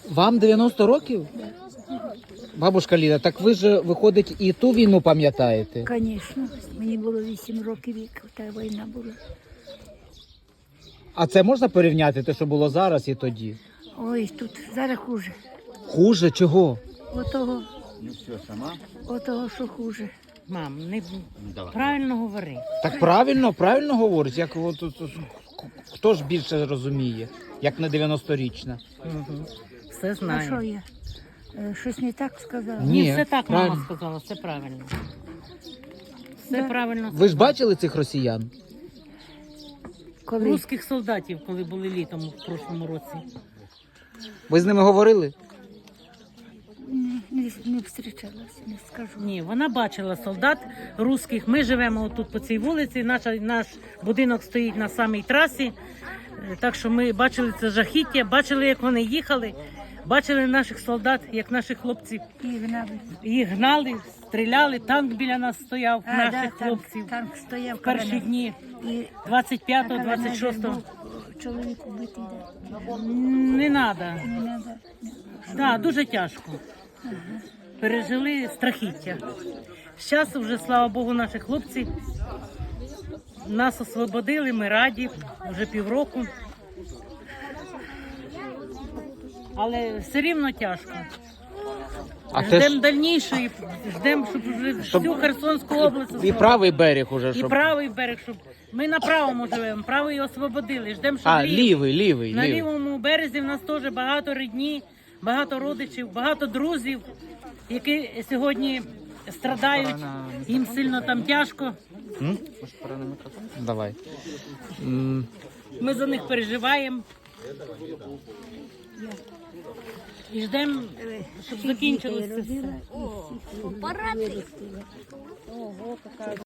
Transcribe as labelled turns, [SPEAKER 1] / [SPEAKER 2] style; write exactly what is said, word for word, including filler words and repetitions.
[SPEAKER 1] Вам дев'яносто років? Бабушка Ліда, так ви ж, виходить, і ту війну пам'ятаєте?
[SPEAKER 2] Звісно, мені було вісім років, як та війна була.
[SPEAKER 1] А це можна порівняти, те, що було зараз і тоді?
[SPEAKER 2] Ой, тут зараз хуже.
[SPEAKER 1] Хуже? Чого?
[SPEAKER 2] Отого, отого, що хуже.
[SPEAKER 3] Мам, не правильно говори.
[SPEAKER 1] Так правильно, правильно говорить. Як, от, от, от, хто ж більше розуміє, як не дев'яносторічна?
[SPEAKER 3] Угу. Все
[SPEAKER 2] А що
[SPEAKER 3] знаю.
[SPEAKER 2] я? Е, Щось не так сказала?
[SPEAKER 1] Ні.
[SPEAKER 3] Ні, все так
[SPEAKER 1] правильно.
[SPEAKER 3] мама сказала, все правильно. Все
[SPEAKER 2] Да.
[SPEAKER 3] правильно.
[SPEAKER 1] Ви ж бачили цих росіян?
[SPEAKER 2] Коли?
[SPEAKER 3] Русських солдатів, коли були літом в прошлому році.
[SPEAKER 1] Ви з ними говорили?
[SPEAKER 2] Не, не, не зустрічалася, не скажу.
[SPEAKER 3] Ні, вона бачила солдат русських. Ми живемо отут по цій вулиці. Наша, наш будинок стоїть на самій трасі. Е, Так що ми бачили це жахіття, бачили, як вони їхали, бачили наших солдат, як наші хлопці
[SPEAKER 2] І гнали.
[SPEAKER 3] їх гнали, стріляли. Танк біля нас стояв,
[SPEAKER 2] А,
[SPEAKER 3] наших
[SPEAKER 2] да, танк,
[SPEAKER 3] хлопців.
[SPEAKER 2] танк стояв.
[SPEAKER 3] В перші
[SPEAKER 2] коли
[SPEAKER 3] дні
[SPEAKER 2] ми- І
[SPEAKER 3] двадцять п'ятого,
[SPEAKER 2] коли ми
[SPEAKER 3] двадцять шостого.
[SPEAKER 2] був чоловік убитий, да.
[SPEAKER 3] Не треба.
[SPEAKER 2] Не надо.
[SPEAKER 3] Так, дуже тяжко. Пережили страхіття. Зараз вже, слава Богу, наші хлопці нас освободили, ми раді, вже півроку. Але все рівно тяжко.
[SPEAKER 1] А те
[SPEAKER 3] Ждемо
[SPEAKER 1] ж
[SPEAKER 3] дальнішої, ждемо, щоб вже всю Херсонську область
[SPEAKER 1] і
[SPEAKER 3] освободили.
[SPEAKER 1] правий берег уже,
[SPEAKER 3] І
[SPEAKER 1] щоб...
[SPEAKER 3] правий берег, щоб ми на правому живемо, правий освободили. Ждемо, щоб
[SPEAKER 1] А,
[SPEAKER 3] лівий.
[SPEAKER 1] лівий, лівий,
[SPEAKER 3] На
[SPEAKER 1] лівий.
[SPEAKER 3] лівому березі в нас теж багато рідні, багато родичів, багато друзів, які сьогодні страдають, їм сильно там тяжко.
[SPEAKER 1] М? Давай. М,
[SPEAKER 3] Ми за них переживаємо. І ждемо, щоб закінчилося все.
[SPEAKER 2] Родила і всіх.